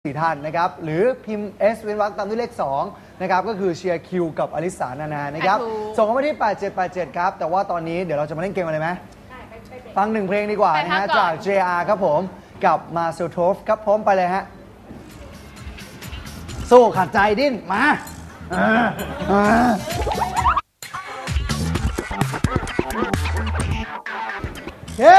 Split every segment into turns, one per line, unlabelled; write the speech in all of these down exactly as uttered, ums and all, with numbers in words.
สี่ท่านนะครับหรือพิมพ์ S เว้นวรรคตามด้วยเลขสองนะครับก็คือเชียร์คิวกับอลิสานานานะครับส่งเข้ามาที่แปดเจ็ดแปดเจ็ดครับแต่ว่าตอนนี้เดี๋ยวเราจะมาเล่นเกมอะไรไหมฟังหนึ่งเพลงดีกว่านะฮะจาก เจ อาร์ ครับผมกับมาเซลโทฟครับพร้อมไปเลยฮะสู้ขัดใจดิ้นมาเย้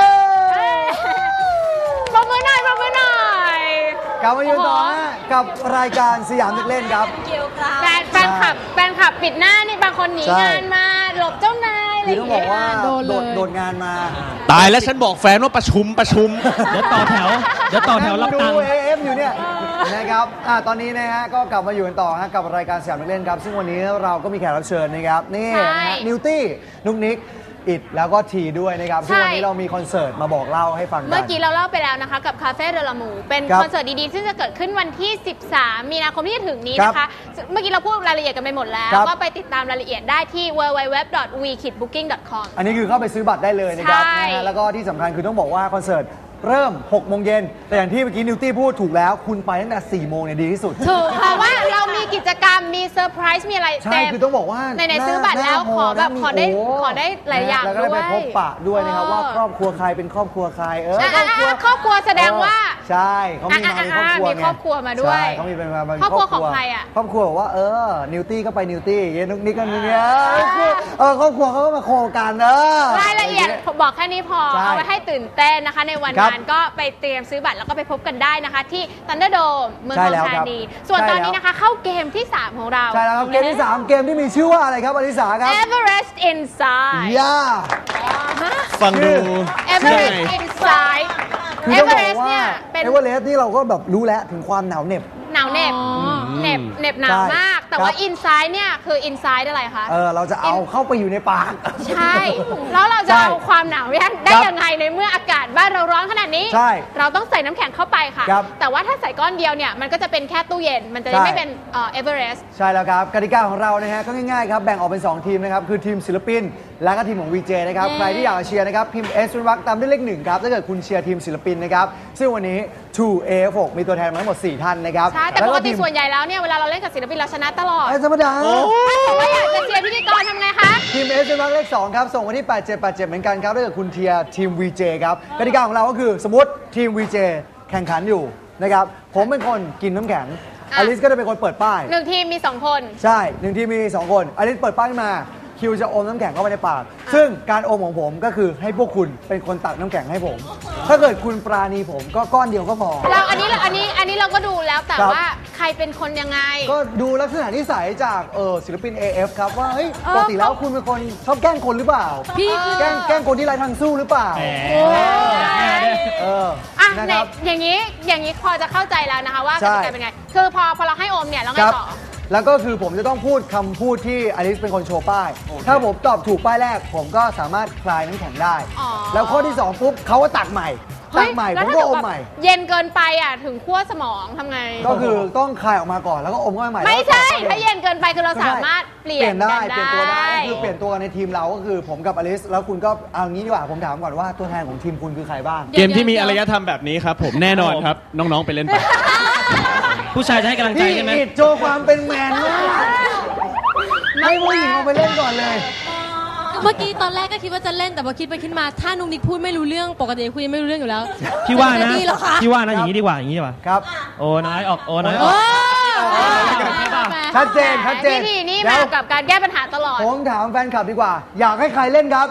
ปรบมือหน่อยปรบมือหน่อย
กลับมาอยู่ต่อฮะกับรายการสยามเด็กเล่นครับ
แฟนแฟนคลับแฟนคลับปิดหน้านี่บางคนหนีงานมาหลบเจ้านายอะไรอ
ต้อย่าง
ง
บอ
เงี้
กว่าย โดดโดดงานมา
ตายแล้วฉันบอกแฟนว่าประชุมประชุมเดี๋ยวต่อแถวเดี๋ยวต่อแถวรับตังค์
ดู เอ เอฟ อยู่เนี่ยนะครับอ่าตอนนี้นะฮะก็กลับมาอยู่กันต่อฮะกับรายการสยามเด็กเล่นครับซึ่งวันนี้เราก็มีแขกรับเชิญนะครับนี่นะฮะนิวตี้นุกนิกอิดแล้วก็ทีด้วยนะครับซึ่งวันนี้เรามีคอนเสิร์ตมาบอกเล่าให้ฟังกัน
เมื่อกี้เราเล่าไปแล้วนะคะกับคาเฟ่เดลามูเป็นคอนเสิร์ตดีๆซึ่งจะเกิดขึ้นวันที่สิบสามมีนาคมที่จะถึงนี้นะคะเมื่อกี้เราพูดรายละเอียดกันไปหมดแล้วก็ไปติดตามรายละเอียดได้ที่ ดับเบิลยู ดับเบิลยู ดับเบิลยู ดอท วี คิด บุ๊กิ้ง ดอท คอม
อันนี้คือเข้าไปซื้อบัตรได้เลยนะครับนะฮะแล้วก็ที่สำคัญคือต้องบอกว่าคอนเสิร์ตเริ่มหกโมงเย็นแต่อย่างที่เมื่อกี้นิวตี้พูดถูกแล้วคุณไปตั้งแต่สี่โมงเนี่ยดีที่สุด
ถูกเพราะว่าเรามีกิจกรรมมีเซอร์ไพรส์มีอะไร
ใช่คือต้องบอกว่า
ในๆซื้อบัตรแล้วขอแบบขอได้ขอได้หลายอย่างด้วย
แล้วก็ได้ไปพบปะด้วยนะครับว่าครอบครัวใครเป็นครอบครัวใครเออ
ครอบครัวครอบครัวแสดงว่า
ใช่เขามีมามีครอบครัว
มีครอบครัวมาด้วย
เขามีเป็นมา
ครอบครัวของใครอ่ะ
ครอบครัวบอกว่าเออนิวตี้ก็ไปนิวตี้เย็นนุกนิกกันเนี่ยเออครอบครัวเขาก็มาโคกันเออ
รายละเอียดบอกแค่นี้พอเอาไว้ให้ตื่นเต้นนะคะในวันนั้นก็ไปเตรียมซื้อบัตรแล้วก็ไปพบกันได้นะคะที่ Thunderdome เมืองทองธานีส่วนตอนนี้นะคะเข้าเกมที่สามของเรา
ใช่แล้วครับเกมที่สามเกมที่มีชื่อว่าอะไรครับอลิสาครับ
Everest Inside
ย่า
ฟังดู
Everest Inside
คือต้องบอกว่าเอเวอเรสต์นี่เราก็แบบรู้แล้วถึงความหนาวเหน็บ
หนาวเหน็บเหน็บเหน็บหนาวมากแต่ว่า Inside เนี่ยคือ Inside อะไรคะ
เออเราจะเอาเข้าไปอยู่ในปาก
ใช่แล้วเราจะเอาความหนาวได้ยังไงในเมื่ออากาศบ้านเราร้อนขนาดนี้เราต้องใส่น้ำแข็งเข้าไปค่ะแต่ว่าถ้าใส่ก้อนเดียวเนี่ยมันก็จะเป็นแค่ตู้เย็นมันจะไม่เป็นเอเวอเรสต์
ใช่แล้วครับกติกาของเรานะฮะก็ง่ายๆครับแบ่งออกเป็นสองทีมนะครับคือทีมศิลปินและก็ทีมของ วี เจ นะครับใครที่อยากเชียร์นะครับพิมพ์ S เป็นวรรคตามด้วยเลขหนึ่งครับถ้าเกิดคุณเชียร์ทีมศิลปินนะครับซึ่งวันนี้ ทู เอ เอฟ หก มีตัวแทนมาทั้งหมดสี่ท่านนะครับ
ใช่แต่ปกติส่วนใหญ่แล้วเนี่ยเวลาเราเล่นกับศิลปินเราชนะตลอด
ธรรมดา
ถ้าอยากจะเชียร์พิธีกรทำไงคะ
ทีม S เป็นวรรคเลขสองครับส่งมาที่แปดเจ็ดแปดเจ็ดเหมือนกันครับถ้าเกิดคุณเชียร์ทีม วี เจ ครับกติกาของเราก็คือสมมติทีม วี เจ แข่งขันอยู่นะครับผมเป็นคนกินน้ำแข็งอลิสก็จะเป็นคนเปิดป้าย
หนึ่งทีมมีสองคน
ใช่หนึ่งทีมมีสองคนอลิสเปิดป้ายมาคิวจะอมน้ำแข็งเข้าไปในปากซึ่งการอมของผมก็คือให้พวกคุณเป็นคนตักน้ำแข็งให้ผมถ้าเกิดคุณปราณีผมก็ก้อนเดียวก็พอ
เราอันนี้อันนี้อันนี้เราก็ดูแล้วแต่ว่าใครเป็นคนยังไง
ก็ดูลักษณะนิสัยจากเออศิลปิน เอ เอฟ ครับว่าเฮ้ยปกติแล้วคุณเป็นคนชอบแกล้งคนหรือเปล่า
พี่
แกล้งแกล้งคนที่ไร้ทางสู้หรือเปล่า
เอออ่ะอย่างนี้อย่างนี้พอจะเข้าใจแล้วนะคะว่ากติกาเป็นไงคือพอพอเราให้อมเนี่ยแล้วไงต่อ
แล้วก็คือผมจะต้องพูดคำพูดที่อลิสเป็นคนโชว์ป้ายถ้าผมตอบถูกป้ายแรกผมก็สามารถคลายน้ำแข็งได้แล้วข้อที่สองปุ๊บเขาก็ตักใหม่ตักใหม่ผมก็อมใหม่
เย็นเกินไปอ่ะถึงขั้วสมองทำไง
ก็คือต้องคลายออกมาก่อนแล้วก็อมเข้าไปใหม่
ไม่ใช่ถ้าเย็นเกินไปคือเราสามารถเปลี่ยน
ได้เปลี่ยนตัวได้คือเปลี่ยนตัวกันในทีมเราก็คือผมกับอลิสแล้วคุณก็เอางี้ดีกว่าผมถามก่อนว่าตัวแทนของทีมคุณคือใครบ้าง
เกมที่มีอารยธรรมแบบนี้ครับผมแน่นอนครับน้องๆไปเล่นไปผู้ชายจะให้กำลังใจใช่ไหม
โชว์ความเป็นแมนมากให้ผู้หญิงเอาไปเล่นก่อนเลย
เมื่อกี้ตอนแรกก็คิดว่าจะเล่นแต่พอคิดไปคิดมาถ้านุ๊กนิกพูดไม่รู้เรื่องปกติคุยไม่รู้เรื่องอยู่แล้ว
พี่ว่านะพี่ว่านะอย่างนี้ดีกว่าอย่างนี้ดีกว่า
ครับ
โอ้น้อยออกโอ้น้อยออก
ชัดเจนชัดเจน
วิธีนี้มากับการแก้ปัญหาตลอด
ผมถามแฟนคลับดีกว่าอยากให้ใครเล่นครับ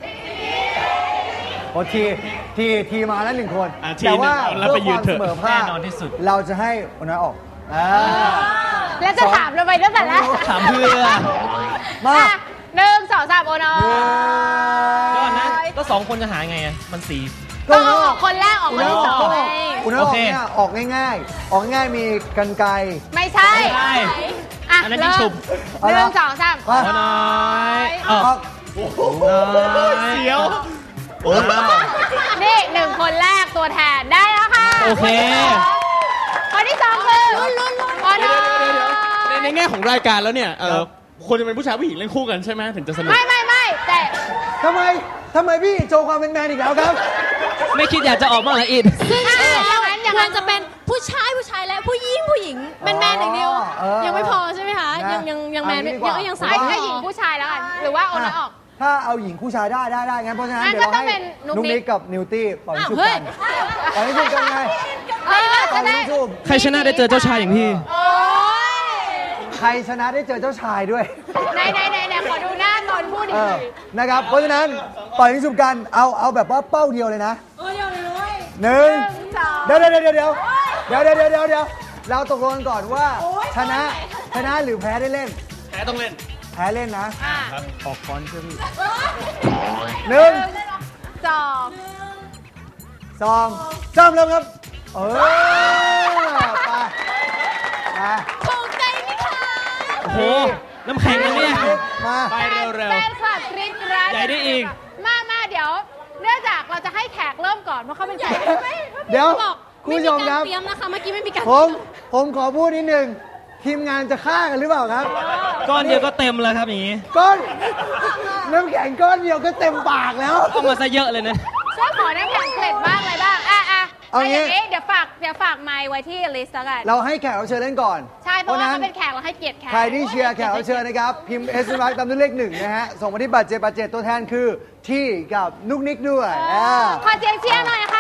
โอทีทีทีมาแล้วหนึ่งคนแต่ว่าเพื่อความเสมอภาคเราจะให้โอ้น้อยออก
แล้วจะถามเราไปตั้งแต่แรก
ถามเพื่อ
มา
หนึ่งสองสามโอน้อย
ก่อนนะก็สองคนจะหาไงอ่ะมันสี่
ก็ออกคนแรกออกคนที่สอง
คุณน้อยออกเนี่ยออกง่ายๆออกง่ายมีกรรไกร
ไม่ใช่
อันนั้นยิ่งฉุบ
หนึ่งสองสาม
โอ้น้อยออกเสียว
นี่หนึ่งคนแรกตัวแทนได้แล้วค่ะ
โอเค
คนที่สองคือลุ้นลุ้นลุ้นโอน้
อยในแง่ของรายการแล้วเนี่ยเออคนจะเป็นผู้ชายผู้หญิงเล่นคู่กันใช่ไหมถึงจะสนุก
ไม่ไม่ไม่แต่
ทำไมทำไมพี่โชว์ความเป็นแมนอีกแล้วครับ
ไม่คิดอยากจะออกมาละอิด
ซึ่งอย่างนั้นอย่างนั้นจะเป็นผู้ชายผู้ชายและผู้หญิแมน
เอางี้ดีก
ยั
ว่า
งก็ยัง
ให้
สาย
ให้หญิงผู้ชายแล้วกันหรือว่าโอนน้อยออก
ถ้าเอาหญิงคู่ชายได้ได้ได้งั้นเพราะฉะนั้น
งั้น
เดี๋ยวเรา
ก็ต้อง
ให้
เป็นนุ๊ก
นุ๊ก
นิ
นิ
ก
กกับนิวตี้ปล่อยชุบ
เฮ้
กั
ย
นปล่อยชุบกันไง
เออ
ปล่
จะ
อย
ได้
ชุบ
ใครชนะได้เจอเจ้าชายอย่างพี่
โอ้ย
ใครชนะได้เจอเจ้าชายด้วย
ไหนไหนไหนไหนขอดูหน้าตอนพูดอี
เอก
ที
อนะครับเพราะฉะนั้นปล่อยชุบกันเอาเอาแบบว่าเป้าเดียวเลยนะหนึ่งเดี๋ยวเดี๋ยวเดี๋ยวเดี๋ยวเดี๋ยวเดี๋ยวเดี๋ยวเดี๋ยวเดี๋ยวเราตกลงกันก่อนว่าชนะชนะหรือแพ้ได้เล่น
แพ้ต้องเล่น
แพ้เล่นนะ
อ่ะ
ออกฟอนต์เชื่อพี่หนึ่ง
สอง
สองสามเริ่มครับเออไปมา
ถูกใจไหมคะ
โอ้โห น้ำแข็งนะเนี่ย
มา
ไปเร็ว
แฟนคลับกรี๊ดกราด
ใหญ่ได้อีก
มามาเดี๋ยว เนื่องจากเราจะให้แขกเริ่มก่อนเพราะเขาเป็นแขก
เดี๋ยว
บอก
คุณ
ไม่
ผู้
มี
ชมค
กา
รั
ร
บ
เตรียมนะคะ เมื่อกี้ไม่มีการ
ผมผมขอพูดนิดนึงทีมงานจะฆ่ากันหรือเปล่าครับ
ก้อนเดียวก็เต็มแล้วครับอย่างนี้
ก้อนน้ำแข็งก้อนเดียวก็เต็มปากแล้ว
เอามาซะเยอะเลยนะ
ช่วยขอน้ำแข็งเกล็ดบ้างอะไรบ้างอ่ะอ่ะ
เอางี้
ย่างนี้เดี๋ยวฝากเดี๋ยวฝากไมค์ไว้ที่ลิสต์แล้วกัน
เราให้แขกรับเชิญเล่นก่อน
ใช่เพราะว่า
ฉ
เขาเป็นแขกเราให้เกียรติแขก
ใครที่เชียร์แขกรับเชิญนะครับ พิมพ์เอสมาร์ตามด้วยเลขหนึ่งนะฮะ ส่งมาที่บัตรเจ็ดบัตรเจ็ดตัวแทนคือที่กับนุกนิกด้วย
เอ
อ่า
อขอเสียงเชียร์หน่อยค่ะ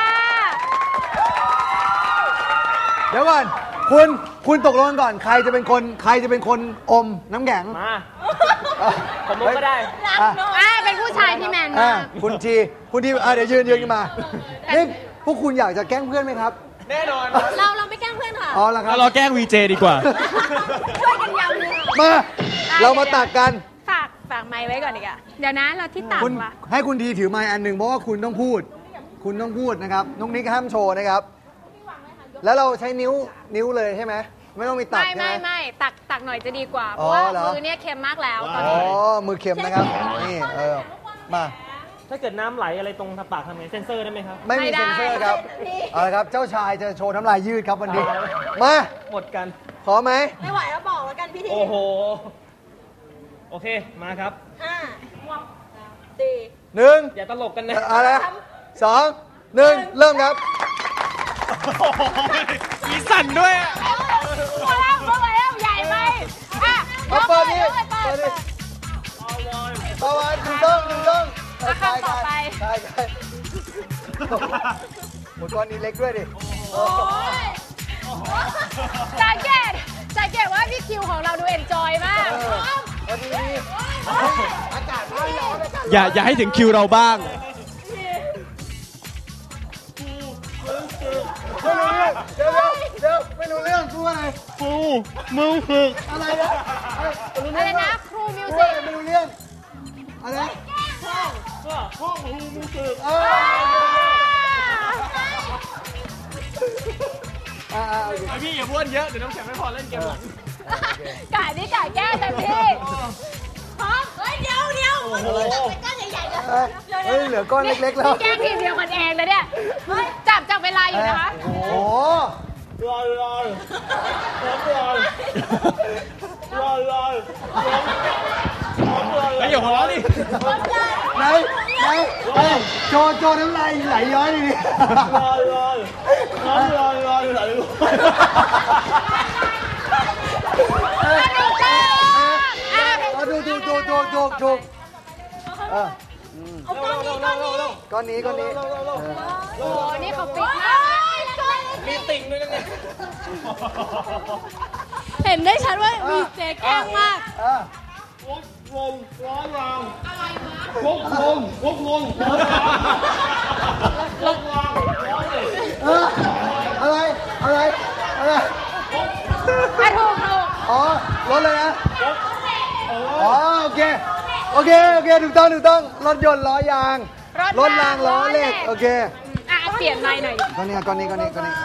เดี๋ยวก่อน คุณคุณตกลงกันก่อน ใครจะเป็นคนใครจะเป็นคนอมน้ำแข็ง
มา
อ่ะ
ผมก็ได้
อ่ะ
อ่าเป็นผู้ชายที่แมน
อ่ะ
มาก
คุณทีคุณทีอ่ะเดี๋ยวยืนยืนขึ้นมานี่พวกคุณอยากจะแกล้งเพื่อนไหมครับ
แน่นอน
เราเราไม่แกล้งเพื่อนค่ะ
อ๋อแล้วครั
แล้
บ
วเราแกล้งวีเจดีกว่า
ช่วยกันยำเลย
มา เรามาตักกัน
ฝากฝากไมค์ไว้ก่อนดีกว่าเดี๋ยวนะเราที่ตัก
คุณ
ว่ะ
ให้คุณทีถือไมค์อันหนึ่งเพราะว่าคุณต้องพูด คุณต้องพูดนะครับนุกนิกห้ามโชว์นะครับ แล้วเราใช้นิ้วนิ้วเลยใช่ไหมไม่ต้องมีตัก
ไม่
ใช่ไหม
ไม่ไม่ตักตักหน่อยจะดีกว่า เพ
อ๋อ
ราะว่า
เหรอ
มือเนี่ยเค็มมากแล้วตอน
อ๋อ
นี้
มือเค็มนะครับนี่เออมา
ถ้าเกิดน้ำไหลอะไรตรงปากทำไงเซนเซอร์ได้ไหมครับ
ไม่มีเซ็นเซอร์ครับเอาละครับเจ้าชายจะโชว์น้ำลายยืดครับวันนี้มา
หมดกัน
พร้อมไหม
ไม่ไหวแล้วบอกแล้วกันพี่ที
โอ้โห โอเค มาครับ
ห้าสี่
หนึ่ง
อย่าตลกกันนะ
อะไรสองหนึ่งเริ่มครับ
มีสั่นด้วย
พอแล้วพอแล้วใหญ่ไปอ่ะ
เอาเปิดนี่
ยกเลยเปิ
เปิ
ด
ด
เปิ
นี่
ด
ต่อไปถูกต้องถูกต้อง
อ่ะคำต่อไป
ใช่ใช่หมดก้อนนี้เล็กด้วยดิ
สังเกตสังเกตว่าพี่คิวของเราดูเอนจอยมาก
เออพอดีอากาศร้อนร้อนอากาศ
อย่าอย่าให้ถึงคิวเราบ้าง
ไม่รู้เรื่องเดี๋ยวเดี๋ยวเดี๋ยวไม่รู้เรื่องพูดอะไร
ฟูมึงฝึก
อะไรนะอะไร
อะไรนะครูมิว
พูด
สิ
อะ
ก
ไรไม่รู้เรื่องอะไรนะ
ห้องฟูมึงฝึก
เอออ่าอ่าโอเค
พี่อย่าบ้วนเยอะ เดี๋ยวน้ำแข็งไม่พอเล่นเกมหลัง
กะนี่กะแก้เต็มที่พร้อมเฮ้ยเดี๋ยวเดี๋ยว
โอ้โห
ก้อนใหญ่ๆเลย
เอ้ยเฮ้ยเหลือก้อนเล็กๆแล้ว
นี่แกล้งทีมเดียวกันเองเลยเนี่ยเฮ้ยจับจับเวลาอยู่นะคะ
โอ้โห
รอรอรอรอรอรอแล้วอย่าหัวเราะดิ
ไหนไหนเอ้ยโจโจน้ำลายไหลย้อยดิ
รอรอรอรอรอรอ
สนุกจังอ่ะ
เอาดูดูดูดูดูดูเออ
เอาก้อนนี้ก้อนนี้
ก้อนนี้ก้อนนี้
โอ้นี่เขาฟิตมาก
มีติ่งด้วยกันเนี่ย
เห็นได้ชัดว่ามีเจ๊แกล้งมาก
เออ
วงวงร้อนรางอะไรวะวงวงวงวงวงวง
เอออะไรอะไรอะไร
อ่ะถูกถูก
อ๋อรถเลยนะอ๋อโอเคโอเคโอเคถูกต้องถูกต้องรถยนต์ล้อยางรถรางล้อเหล็กโอเค
อ่ะเปลี่ยนไมค์หน่อย
ก้อนนี้ก้อนนี้ก้อนนี้ก้อนนี้